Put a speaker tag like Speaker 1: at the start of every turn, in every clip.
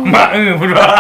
Speaker 1: มาพูดว่า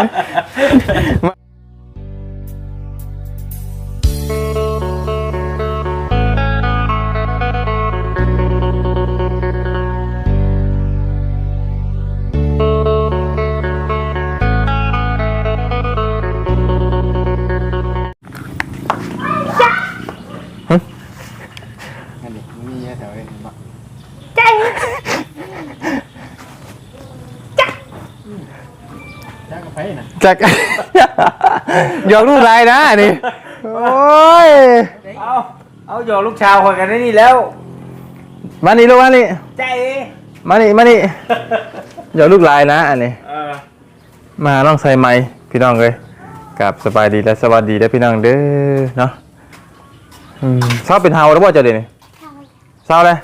Speaker 2: จักหยอกลูกไรนะนี่โอ้ย
Speaker 1: เอาหยอกลูกชาวคนกันนี่แล้ว
Speaker 2: มานี่ลูกมานี่
Speaker 1: ใจ
Speaker 2: มานี่หยอกลูกไรนะอันนี้มาน้องใส่ไม้พี่น้องเลยกับสบายดีและสวัสดีและพี่น้องเด้อเนาะเช้าเป็นเฮาแล้วว่าจะเดี๋ยวนี้เช้าเลย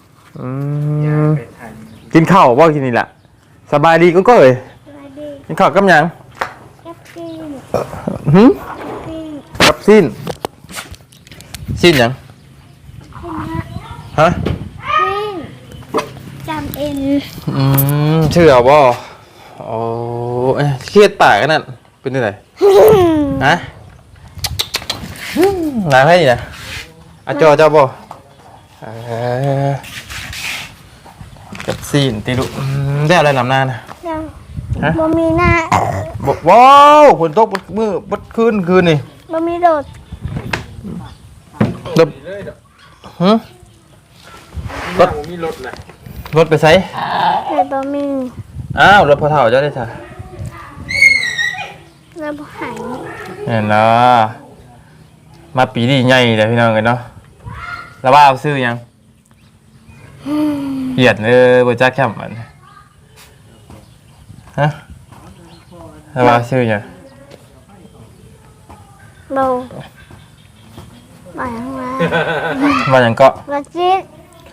Speaker 2: กินข้าวว่ากินนี่แหละสบายดีก็เลยกินข้าวกับยังกับสิ้นยังฮะ
Speaker 3: จำเอ็น
Speaker 2: ชื่อเอาบ่โอ้เครียดปากกันนั่นเป็นยังไงฮะนายให้เนี่ยอาจอเจ้าบ่กับสิ้นตีลุได้อะไรลำหน้านะ
Speaker 3: บ่มีหน้า
Speaker 2: ว้าวฝนตกมือบัดคืนนี่
Speaker 3: บ่มีรถ
Speaker 1: มีรถนะ
Speaker 2: รถไปใช้
Speaker 3: แต่บ่มี
Speaker 2: อ้าวรถพอเท่าเจ้าได้จ้ะ
Speaker 3: แล้วบ่หาย
Speaker 2: เห็นแล้วมาปีนี้ใหญ่เลยพี่น้องกันเนาะแล้วว่าเอาซื้อยังเหยียดเลยบนจ้าแคมป์มันฮะแล้วว่าซื้อยัง
Speaker 3: บ่มาอย่างไร
Speaker 2: มาอย่างเกาะ
Speaker 3: บ่จิต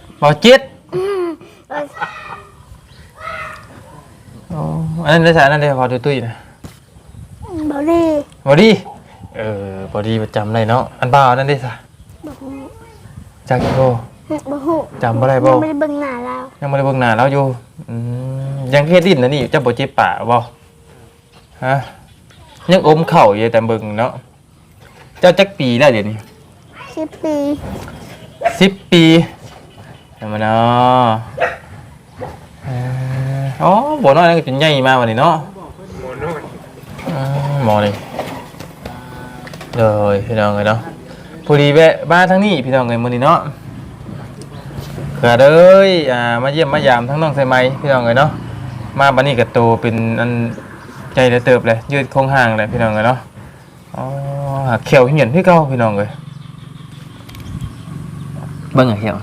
Speaker 2: อันนั้นได้ใช่อันนั้นได้พอตุ้ยนะ
Speaker 3: บอดี้
Speaker 2: บอดี้ประจำเลยเนาะอันบ้านั่นได้ใช่จากกี่โบจำอะไรบ่
Speaker 3: ยังไม่ได้เบิ่งหน้า
Speaker 2: แล้วอยู่ยังเครียดดิ้นนะนี่จะบ่เจ็บปากบ่ฮะยังอมเข่าอยู่แต่เบิ่งเนาะเจ้าจักปีแล้วเดี๋ยวนี้10 ปีทำไมเนาะอ๋อบ่น้อยนั่นก็จนใหญ่มาวันนี้เนาะหมอเลยพี่น้องเลยเนาะพอดีแวะบ้านทั้งนี้พี่น้องเลยมื้อนี้เนาะเกิดเลยมาเยี่ยมมายามทั้งน้องใส่ไม้พี่น้องเลยเนาะมาบัดนี้ก็โตเป็นอันใจได้เติบเลยยืดโคงห่างเลยพี่น้องเลยเนาะอ๋อเขียวเหี่ยนพี่เก่าพี่น้องเลยเบิ่งเขียว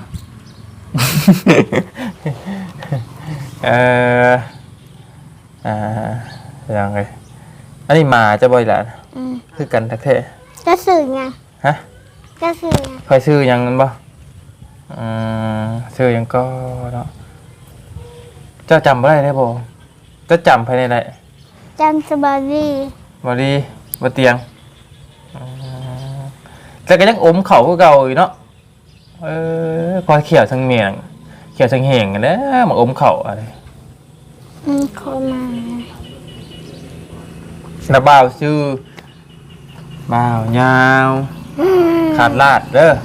Speaker 2: ยังไงอันนี้มาจะบ่อยละคือกันทักเท
Speaker 3: จะสื่อไง
Speaker 2: ฮะ
Speaker 3: จะสื่อ
Speaker 2: คอยซื้อยังนั้นบ่ซื้อยังก็เนาะเจ้าจำบ่ได้ได้บ่จะจำภายในไหน
Speaker 3: จำสบายดี
Speaker 2: บ่เตียงแต่ก็ยังอมเข่าคือเก่าอยู่เนาะคอยเขียวทั้งเมียงเขียวทั้งแห้งกันเด้อมาอมเข่าอะไร
Speaker 3: คนมา
Speaker 2: น้าบ่าวชื่อบ่าวยาวขาดลาดเด้อ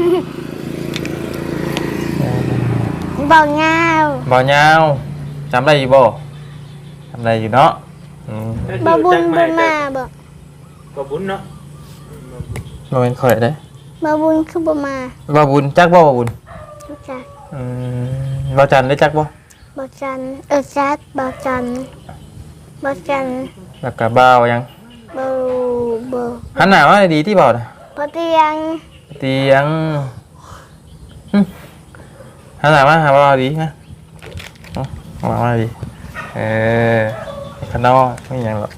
Speaker 3: บ่าวย
Speaker 2: าวจำได้อยู่บ่จำได้อยู่เนาะ
Speaker 3: บ่บุญบ่มา
Speaker 1: บ่บุญเนาะ
Speaker 2: บ่เป็นข่อยได้
Speaker 3: บ่บุญคือบ่มา
Speaker 2: บ่บุญจักบ่บ่บุญ
Speaker 3: จัก
Speaker 2: บ่จันได้จักบ่
Speaker 3: บ่จันจัดบ่จัน
Speaker 2: แล้วก็บ่าวยัง
Speaker 3: บ่
Speaker 2: หันหน้ามาดีที่บ่น่ะ
Speaker 3: บ่เตียง
Speaker 2: หันหน้ามาหาบ่าวดีฮะมาดีคันนอไม่หยังหรอก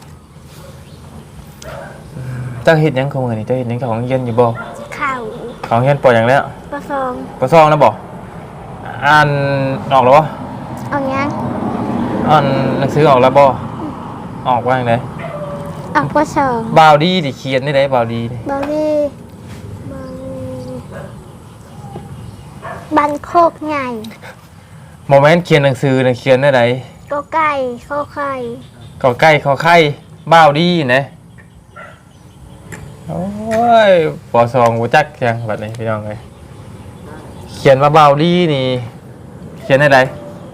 Speaker 2: เจ้าเฮ็ดหยังของมื้อนี้เจ้าเฮ็ดหยังของเย็นอยู่บ่ของเย็นปล่อยหยังแล้วปอซองนะบ่อ่านออกแล้วบ่
Speaker 3: ออกยัง
Speaker 2: อ่านหนังสือออกแล้วบ่ออกว่าจังได๋
Speaker 3: ออกปอซอง
Speaker 2: บ่าวดีดิเขียนได้บ่าวดี
Speaker 3: บันโคกใหญ่
Speaker 2: โมเมนต์เขียนหนังสือน่ะเขียนได้ได
Speaker 3: กอไก่ขอไข่
Speaker 2: ก็ใกล้ขอไข่บ้าวดีนะโอ้ยปอสองกูจักยังแบบนี้พี่น้องเลยเขียนว่าบ้าวดีนี่เขียนอะไร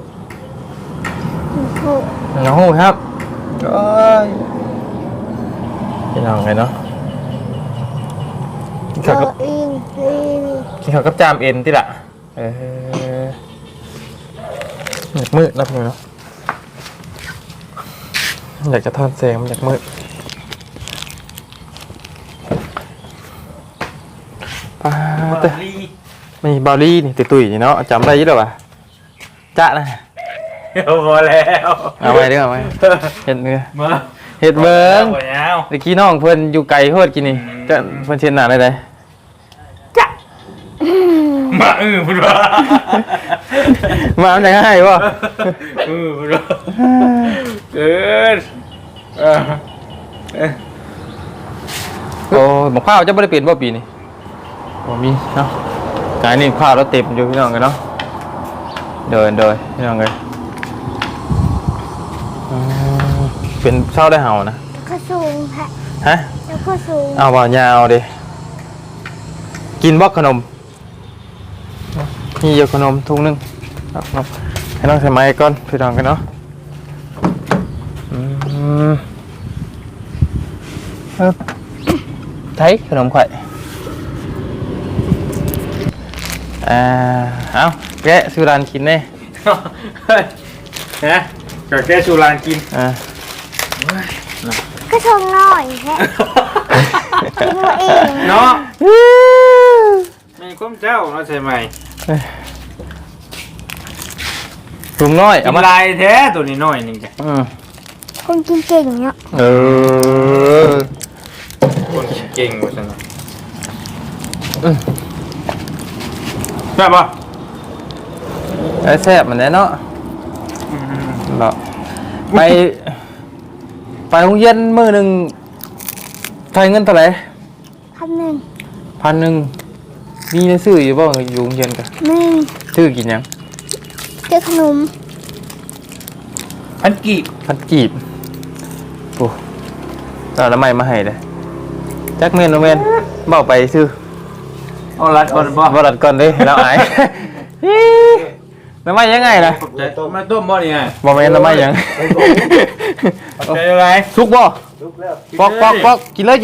Speaker 3: ถูก
Speaker 2: น้องหูครับโอ้ยพี่น้องเลยเนาะกิน
Speaker 3: โต
Speaker 2: ข้าวกับ
Speaker 3: อินลี
Speaker 2: กินข้าวกับจามเอ็นที่ละอยากมืดนะพี่น้องเนาะอยากจะทอดแสงมันอยากมืดป้าเต้มีบอลลี่นี่ตุยๆนี่เนาะจำได้ยี่หรอวะจ๊ะนะ
Speaker 1: พอแล้ว
Speaker 2: เอาไว้เด้อเอาไว้เห็ดเนื้อ
Speaker 1: มา
Speaker 2: เห็ดเบิ้ง
Speaker 1: หมดแล้ว
Speaker 2: ตะกี้น้องเพิ่นอยู่ไกลโคตรกินนี่จะเพิ่นเชียนหนาได้ได
Speaker 1: มาพูดว่า
Speaker 2: มามันจะง่ายป่ะ
Speaker 1: พูดว่าเกิน
Speaker 2: โอ้หมกข้าวจะไม่ได้เปลี่ยนป่ะปีนี้โอ้มีเนาะกายนี่ข้าวแล้วเต็มอยู่พี่น้องกันเนาะเดินพี่น้องเลยเป็นเช่าได้เห่านะ
Speaker 3: แล้วก็สูงค่ะ
Speaker 2: ฮะ
Speaker 3: แล้วก็สูง
Speaker 2: เอาบ่ายาวดิกินบ่ขนมนี่เยอะขนมถุงนึงครับให้น้องใส่ไม้ก่อนพี่น้องกันเนาะthấyขนมไข่เอาแกะสุรานกินเน่
Speaker 1: นะก็แค่ชูรานกิน
Speaker 3: ก็ชงหน่อยแค่กินตัวเอง
Speaker 1: เนาะมีความเจ้าเนาะใช่ไหม
Speaker 2: ถุงน้อย
Speaker 1: กิ
Speaker 2: เอา
Speaker 1: น
Speaker 2: มา
Speaker 1: ลายแท้ตัวนี้น้อยนึงจ้ะ
Speaker 3: คนกินเก่งเนาะ
Speaker 1: คนเก่งกว่าฉันใช่ปะ
Speaker 2: ไอ้แซ่บมันแน่เนาะเนาะไปโรงเรียนมื้อหนึ่งใช้เงินเท่าไหร่
Speaker 3: 1,000
Speaker 2: 1,000มีในซื้ออยู่บ่อยู่โรงเรียนกัน
Speaker 3: 1
Speaker 2: ซื้อกินหยัง
Speaker 3: เจอขนม
Speaker 1: พันกีบ
Speaker 2: พันกีบโอ้เอาละไม้มาให้เลยจักเมนโนเมนเบ้าไปซื้อ
Speaker 1: เอาลัดก่อนบ่
Speaker 2: บรัดก่อนเลยเราอายน้ำไม้ยังไงนะ
Speaker 1: มาต้มบ่นี่ไง
Speaker 2: บ่แม่นน้ำไม้ยัง
Speaker 1: ใจอะไร
Speaker 2: สุกบ่ปอกกินเลย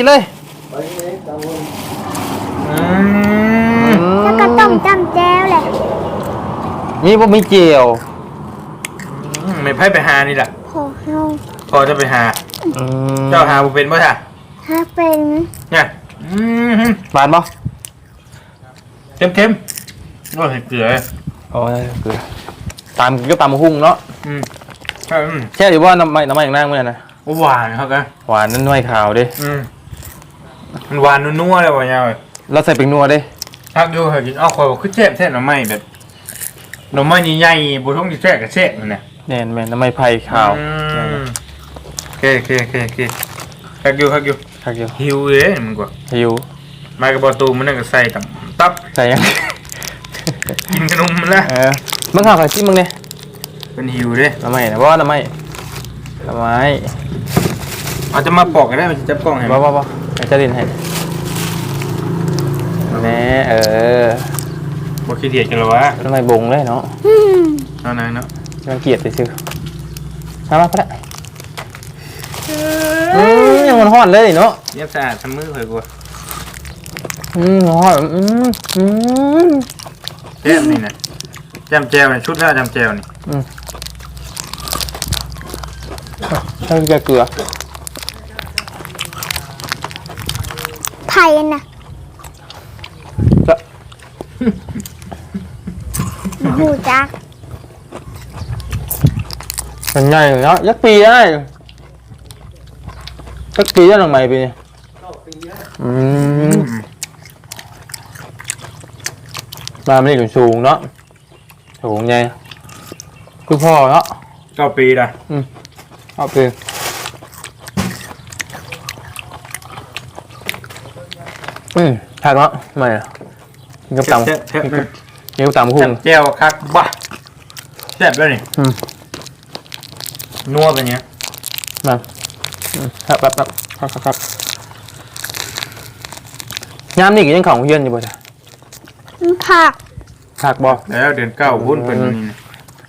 Speaker 3: แล้วก็ต้มจำแจ้วแหละ
Speaker 2: นี่บ่มีเจียว
Speaker 1: ไม่ไพ่ไปหานี่แหละ
Speaker 3: พอเฮา
Speaker 1: พอจะไปหา เจ้าหาบุเป็นป่ะท่ะ
Speaker 3: ถ้าเป็น
Speaker 1: เนี่ย
Speaker 2: หวานบ่
Speaker 1: เค็มก็เห็ดเกลือ
Speaker 2: โอ้ยเกลือตามก็ตามหุ้งเนาะแช่อยู่ว่าน้ำไม้อย่างนั่งเมื่อนะ
Speaker 1: หวานครับกัน
Speaker 2: หวานนั่นน้อยขาวดิ
Speaker 1: มันหวานนัวๆเลยว่ะยาว
Speaker 2: เราใส่เป็นนัวดิ
Speaker 1: ทักดูเหรอกินอ้าวคอยบอกคือแซ่บหน่อไม้แบบหน่อไม้ใหญ่ๆบุท้องที่แซ่บกับแซ่บมันเนี่ย
Speaker 2: แน่นแม่นน้ำไม้ไผ่ขาว
Speaker 1: โอเคทักอยู่
Speaker 2: คักอยู่
Speaker 1: หิวเลยมันกว่า
Speaker 2: หิว
Speaker 1: มากระบอกตูมันนั่นก็ใส่ตับ
Speaker 2: ใส่ยัง
Speaker 1: กินขนมมันละ
Speaker 2: มึงข่าวไข่ซิมึงเนี่ย
Speaker 1: เป็นหิวเลย
Speaker 2: น้ำไม้นะว่าน้ำไม้
Speaker 1: เอาจะมาปอกกันได้มันจะจับกล้องให้
Speaker 2: บ่ไอ้เจะดินให้แน่
Speaker 1: บ่ขี้เดียดกันหรอวะ
Speaker 2: น้ำไม้บงเลยเนาะ
Speaker 1: เอาไหนเนาะ
Speaker 2: รังเกียจไปซื้อมาก็ได้ยังมันห้อนเลยเนาะ
Speaker 1: เรียบสะอาดทำมือเคยกลัว
Speaker 2: ห้อน
Speaker 1: แจ่มนี่นะจำแจวนี่ชุดแล้วจำแจวนี่
Speaker 2: ใช่จะเกลือ
Speaker 3: ไผ่น่ะ
Speaker 2: จะ
Speaker 3: หูจัก
Speaker 2: เป็นไงเนาะยักษ์ปีได้ยักษ์ปีได้หลังใหม่ปีนี้มาไม่ได้อยู่สูงเนาะสูงไงคือพ่อเนาะ
Speaker 1: 9 ปีละ
Speaker 2: เอาไปถักเนาะไม่อะกินกับตำกินกับตำหุ้ง
Speaker 1: จำแจวคักบ้าแซ่บแล้วนี่นัวเป็นเนี้ย
Speaker 2: มาครับยามนี่ก็ยังของเฮียนอยู่บ่จ้ะ
Speaker 3: ผัก
Speaker 2: ผักบ่
Speaker 1: แล้วเดือนเก้าวุ่นเป็นนี่นะ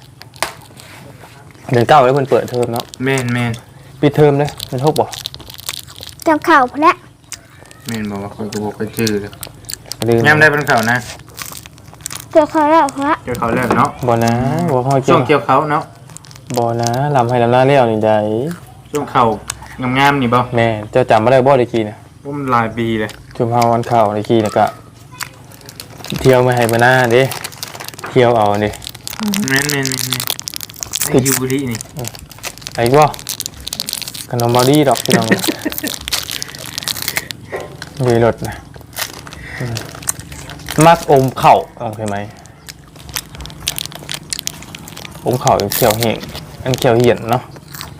Speaker 2: เดือนเก้าแล้วเพิ่นเปิดเทอมเนาะ
Speaker 1: แม่น
Speaker 2: ปิดเทอมเลยมันทุกบ่
Speaker 3: จำข่าวพระ
Speaker 1: แม่นบอกว่าคนกูบอกไปจื้อเลย
Speaker 2: ลืม
Speaker 1: ยามได้เป็นเขานะ
Speaker 3: เกี่ยวข่าวแล้วพระ
Speaker 1: เกี่ยวเขาแล้วเนาะ
Speaker 2: บ่นะบ่ค่อย
Speaker 1: ช่วงเกี่ยวเขาเนาะ
Speaker 2: บ่นะลำให้ลำหน้าเลี้ยวนี่ได้
Speaker 1: ช่วงเขางามๆนี่บ่
Speaker 2: แม่เจ้าจำบ่ได้บ่ได้กี้น่ะ
Speaker 1: ว่ามันหลายปีเลย
Speaker 2: ชุมเฮาวันเข้าได้กี้น่ะก็เที่ยวมาให้บ่หน้าเด้เที่ยวเอานี่
Speaker 1: แม่นไอ้ยูบุรีนี่
Speaker 2: ไอ้บ่ขนมบอดี้ดอกพี่น้อง มีรถนะมักอมเข่าโอเคไหมอมเข่าเป็นเขียวเหี่ยงอันเขียวเหี่ยนเนาะ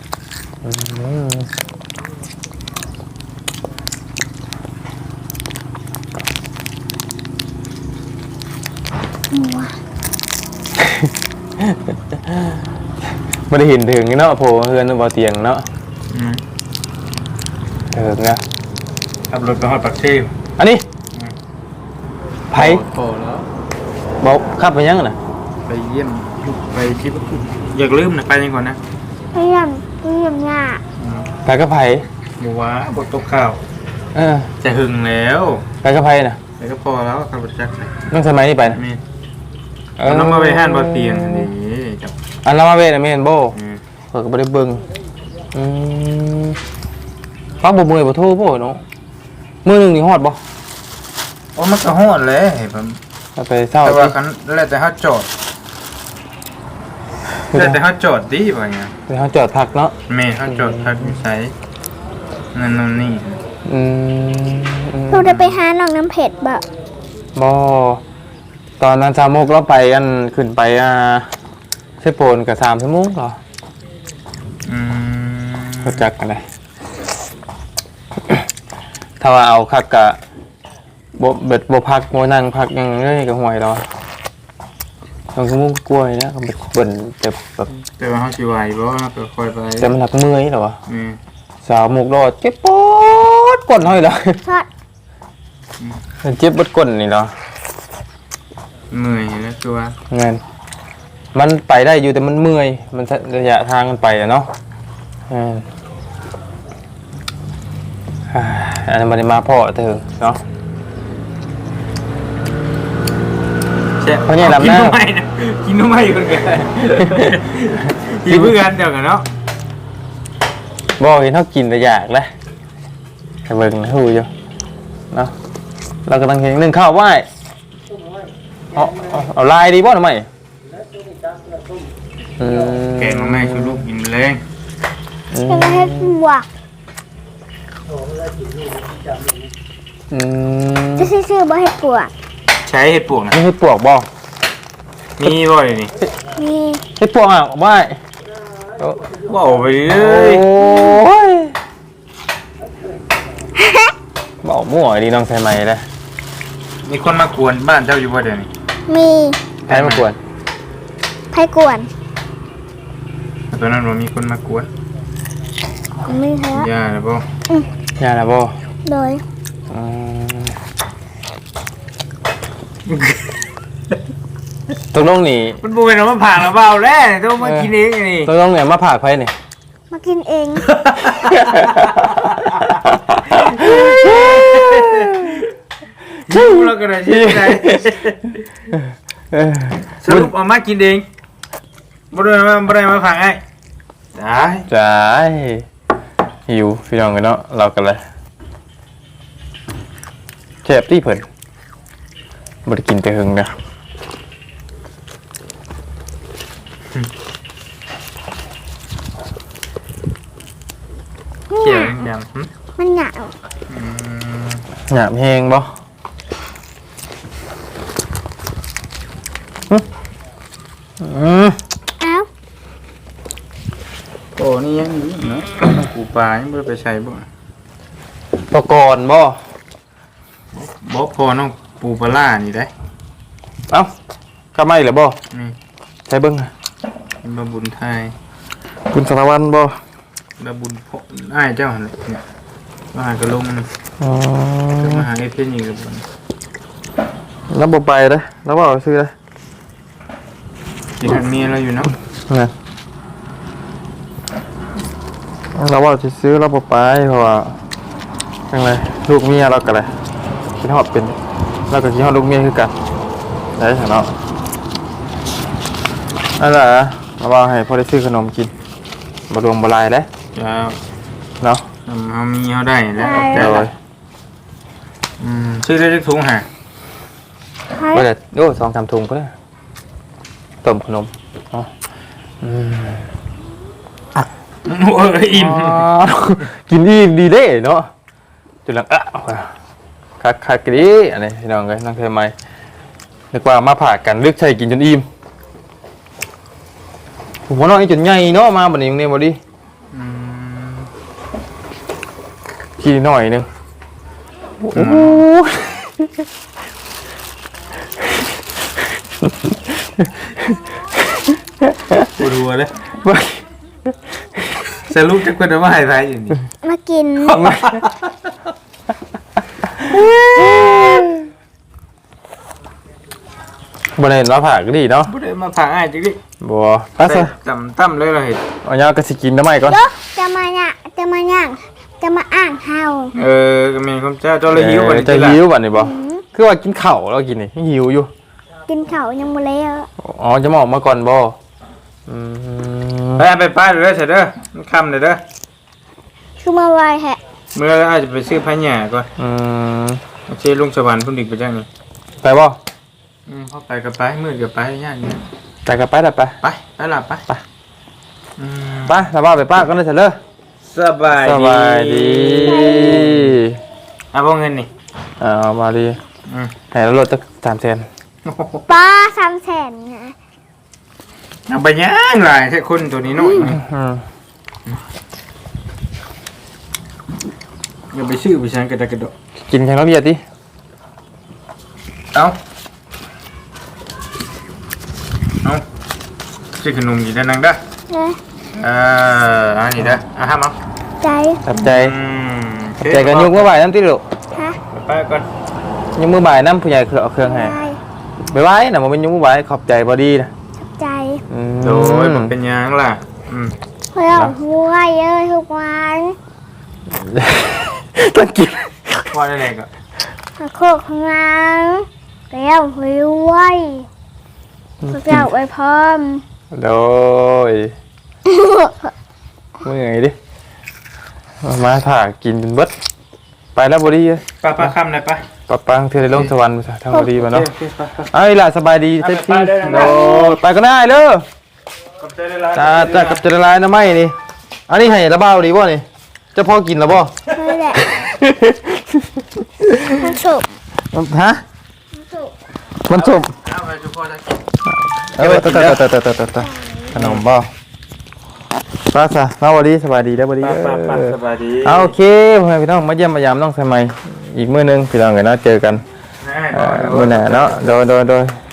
Speaker 2: ไม่ได้เห็นถึงเนาะโผล่เฮือนบ่เตียงเนาะถึงนะ
Speaker 1: ขับรถไปฮอดปากเทพ
Speaker 2: อันนี้ไผ
Speaker 1: โอ้แล้ว
Speaker 2: บอกขับไปยังน่ะ
Speaker 1: ไปเยี่ยมไปที่อยากลืมนะไปยังก่อนนะ
Speaker 3: เยี่ยมหน้า
Speaker 2: ไปกับไผ
Speaker 1: บัวบทตกข่าว จะหึงแล้ว
Speaker 2: ไปกับไผน่ะ
Speaker 1: ไปก็พอแล้วขับรถจักร
Speaker 2: ต้องสมัยนี้ไปนะ
Speaker 1: นี่น้องมาไปห้านบนเตียงนี่จับ
Speaker 2: อันละมาเวทน่ะแม่นบ่เพิ่นก็บ่ได้เบิ่งฟังบ่เมื่อยบ่โทรบ่เนาะมื้อนึงนี่ฮอดบ่
Speaker 1: โอ้มันก็ฮอดเลยผม
Speaker 2: ไปเช้า
Speaker 1: แต่ว่า
Speaker 2: สิ
Speaker 1: คันแล้วแต่เขาจอดแล้วแต่เขาจอดดีป่ะเนี่ย
Speaker 2: ไปเฮาจอดพักเนาะ
Speaker 1: เมย์เขาจอดพักนิสัยนั่นนู่นนี่
Speaker 3: เราจะไปหาหนองน้ำเผ็ดบ่
Speaker 2: บ่ตอนนั้น3โมงเราไปกันขึ้นไปเซโปนก็3ชั่วโมงเหรอรู้จักกันได้ถ้าว่าเอาคักกะบ่พักบ่นั่งพักยังเลยก็ห่วยแล้วต้องชั่วโมงกล้วยนะก็เบิ่นแต่แบบ
Speaker 1: แต่ว่าเขาสิไหวบ่ก็คอยไป
Speaker 2: แต่มันหนักเมื่อยเหรอวะ
Speaker 1: นี่
Speaker 2: สาวหมกรอดเจ็บปวดก้นห้อยเลย
Speaker 3: ทอด
Speaker 2: มันเจ็บปวดก้นนี่เหรอ
Speaker 1: เหนื่อยแล้วตัว
Speaker 2: เงินมันไปได้อยู่แต่มันเมื่อยมันระยะทางมันไปอะเนาะอันนั้นมันมาพ่อเธอเนาะ เพราะเนี่ยลำหน้า
Speaker 1: กินนุ่มไม่คนกันกินเพื่อนเดียวกันเนาะ
Speaker 2: บ่เห็นเขากินแต่อยากเลยแต่เบิ่งหูอยู่เนาะเรากำลังเห็นนึ่งข้าวไหว้เอาลายดีบ่ทำไม
Speaker 1: แกงไม่ชูลูกกินแรง
Speaker 3: เป็นเห็ดบวกจะซื้อบ่เห็ดบวก
Speaker 1: ใช้เห็ดปวกนะ
Speaker 2: นี่ให้ปวกบ่
Speaker 1: มีบ่อยนี่
Speaker 3: นี่
Speaker 2: ให้ปวกอ่ะไหว้
Speaker 1: ว่าไปเล
Speaker 2: โอ้
Speaker 1: ย
Speaker 2: ยบอกมั่วดีน้องใส่ไหมเลย
Speaker 1: มีคนมากวนบ้านเจ้าอยู่บ่เดี๋ยวนี้
Speaker 3: มี
Speaker 2: ใครมากวน
Speaker 3: ไผ่กวน
Speaker 1: ตอนนั้นว่ามีคนมากวน
Speaker 3: มีเถอะ
Speaker 1: ย่าแล้วบ่
Speaker 2: ยาละบ่
Speaker 3: โดย
Speaker 2: ตกลงนี่
Speaker 1: มันบูเป็นเอามาผ่านมาเบาแล้วต้องมากินเองนี่
Speaker 2: ตกลงเนี่ยมาผากไผนี่
Speaker 3: มากินเอง
Speaker 1: ชิวแล้วก็ได้ชิวได้สรุปเอามากินเองบ่ได้มาผ่านไอ้ได้
Speaker 2: จ้าหิวพี่น้องกันเนาะเรากันเลยเจ็บที่เพิ่นบ่ได้กินแต่หึงนะ
Speaker 1: เขียวยัง
Speaker 3: มันหนาว
Speaker 2: หยาบแฮงบ่
Speaker 3: เอ้า
Speaker 1: โอ้นี่ยังอยู่เนาะปูปลายังไม่ได้ไปใช้บ่
Speaker 2: ปกรณ์บ่
Speaker 1: บ่พอน้องปูปลาล่านี่ได้
Speaker 2: เอ้าก็ไม่เหรอบ่
Speaker 1: นี่
Speaker 2: ใช้เบิ่ง
Speaker 1: เป็นบะบุญไทย
Speaker 2: คุณสารวัตรบ่
Speaker 1: ระบุญพ่ออ้ายเจ้าหั่นเนี่ยมาหากระลง
Speaker 2: อ๋อ
Speaker 1: จะมาหาไอ้เพี้ยนอีกระบุญ
Speaker 2: แล้วบ่ไปเด้อแล้วบ่เอาซื้อเด้อ
Speaker 1: กินหันเมียเราอยู่เนาะ
Speaker 2: นะเราว่าจะซื้อเราบ่ไปเพราะว่าจังไรลูกเมียเราก็เลยคิดฮอดเป็นเราก็คิดฮอดลูกเมียคือกันได้ซั่นเนาะนั่นแหละเราว่าให้พอได้ซื้อขนมกินบ่รวมบ่หลายเด้
Speaker 1: จะ
Speaker 2: เนาะ
Speaker 1: เอามีเอาได้แล้ว
Speaker 2: เดี๋ยวเลย
Speaker 1: ซื้อได้ทุกถุงฮะ
Speaker 3: ให้
Speaker 2: บ่ได้โอ้2-3ถุงก็ได้ต้มขนมอ๋อ
Speaker 1: โอ้ยอิ่ม
Speaker 2: กินอิ่มดีเด้เนาะจุดหลังคักๆดีอันนี้พี่น้องเอ้ยน้องเคยไหมนึกว่ามาผ่ากันลึกใช่กินจนอิ่มผมว่าน้องจนใหญ่เนาะมาบัดนี้เนี่ยบ่ดิขี้หน่อยนึงโอ้โห
Speaker 1: ปวดหัวเลยสรุปจะควรจะมาให้ใครอยู่นี่
Speaker 3: มากิน
Speaker 2: บ่ได้เห็นว่าผ่าก็ดีเนาะ
Speaker 1: บ่ได้มาผ่าอ้ายจังดิ
Speaker 2: บ่ไปซะ
Speaker 1: ตั้มเลยเราเห็น
Speaker 2: เอายาก็สิกินทำไมก่อน
Speaker 3: เด้อจะมาเนี่ยจะมาย่างจะมาอ่างเฮา
Speaker 1: ก็มีความเจ้าเจ้าเลยหิววันนี้
Speaker 2: จะหิวบัดนี้บ่คือว่ากินข้าวแล้วกินนี่หิวอยู่
Speaker 3: กินเขาวยังบ่แล้ว
Speaker 2: อ๋อจะมาออกมาก่อนบ่
Speaker 1: ไปป้าเด้อเสร็จเด้อมันค่ำเลยเด้อ
Speaker 3: คือมาไวแฮะ
Speaker 1: เมื่ออาจจะไปซื้อพะหญ่ก่อน เชื่อลุงสวรรค์พุ่นดิกไปจังนี่
Speaker 2: ไปบ่
Speaker 1: เข้าไปกับไปมืดกับไปย่านนี้
Speaker 2: ไปกับไปได้ไป
Speaker 1: ไปหลับไป
Speaker 2: ไปแล้วว่าไปป้าก็ได้เสร็จเลย
Speaker 1: สบาย
Speaker 2: สบายดี
Speaker 1: เอาพวกเงินนี่
Speaker 2: เอามาดีให้เราลดตั้ง300,000
Speaker 3: ป้า300,000นะ
Speaker 1: เอาไปย่างหลายแค่คนตัวนี้น้อยอย่าไปซื้อไปใช้กระดกกระโดด
Speaker 2: กินแข่งน้ำเบียร์ดิ
Speaker 1: เอาซื้อขนมอยู่ด้านนั้นเด้อ
Speaker 3: เลย
Speaker 1: อันนี้เด้อห้ามเอา
Speaker 3: ใจ
Speaker 2: ตับใจใจกันยกมือบ่ายน้ำติลูก
Speaker 3: ฮะ
Speaker 1: ไปก่อน
Speaker 2: ยกมือบ่ายน้ำผู้ใหญ่เอาเครื่องให้
Speaker 3: ได้
Speaker 2: ไปไว้น่ะมันเป็นยกมือบ่ายขอบใจบอดี้นะ
Speaker 3: ใจ
Speaker 1: โดยมันเป็นยังล่ะ
Speaker 3: เพื่อหัวเยอะทุกวัน
Speaker 2: ต้องกิน
Speaker 1: ว่าได้เลยก็
Speaker 3: โคกของเราแล้วหัวพวกเราไปพร้อม
Speaker 2: โดยเมื่อยดิมาถ่ากินจนเบิดไปแล้วบอดี้
Speaker 1: ป้าค่ำเลยไป
Speaker 2: ปะปังเธอได้ลงสวรรค์ทางบอดี้มาเนาะไอ้ล่ะสบายดีเต็มที่โดยไปก็ได้เลย
Speaker 1: กับใจได้ร้าย
Speaker 2: จ้ากับจะละลายนะไม่นี่อันนี้ให้ระเบ้าดีบ่นี่จะพอกินแล้วบ่
Speaker 3: นี่แหละมันสุก
Speaker 2: ฮะ
Speaker 3: สุก
Speaker 2: มันสุก
Speaker 1: เอาไปทุกคนนะกิน
Speaker 2: ตขนมบ่ป้าซะมาบ่ดีสบายดีได้บ่ดี
Speaker 1: ป้าสบายดี
Speaker 2: เอาโอเคพ่อแม่พี่น้องมาเยี่ยมมายามน้องสมัยอีกมื้อนึงพี่น้องกันเนาะเจอกันมื้อหน้าเนาะโดย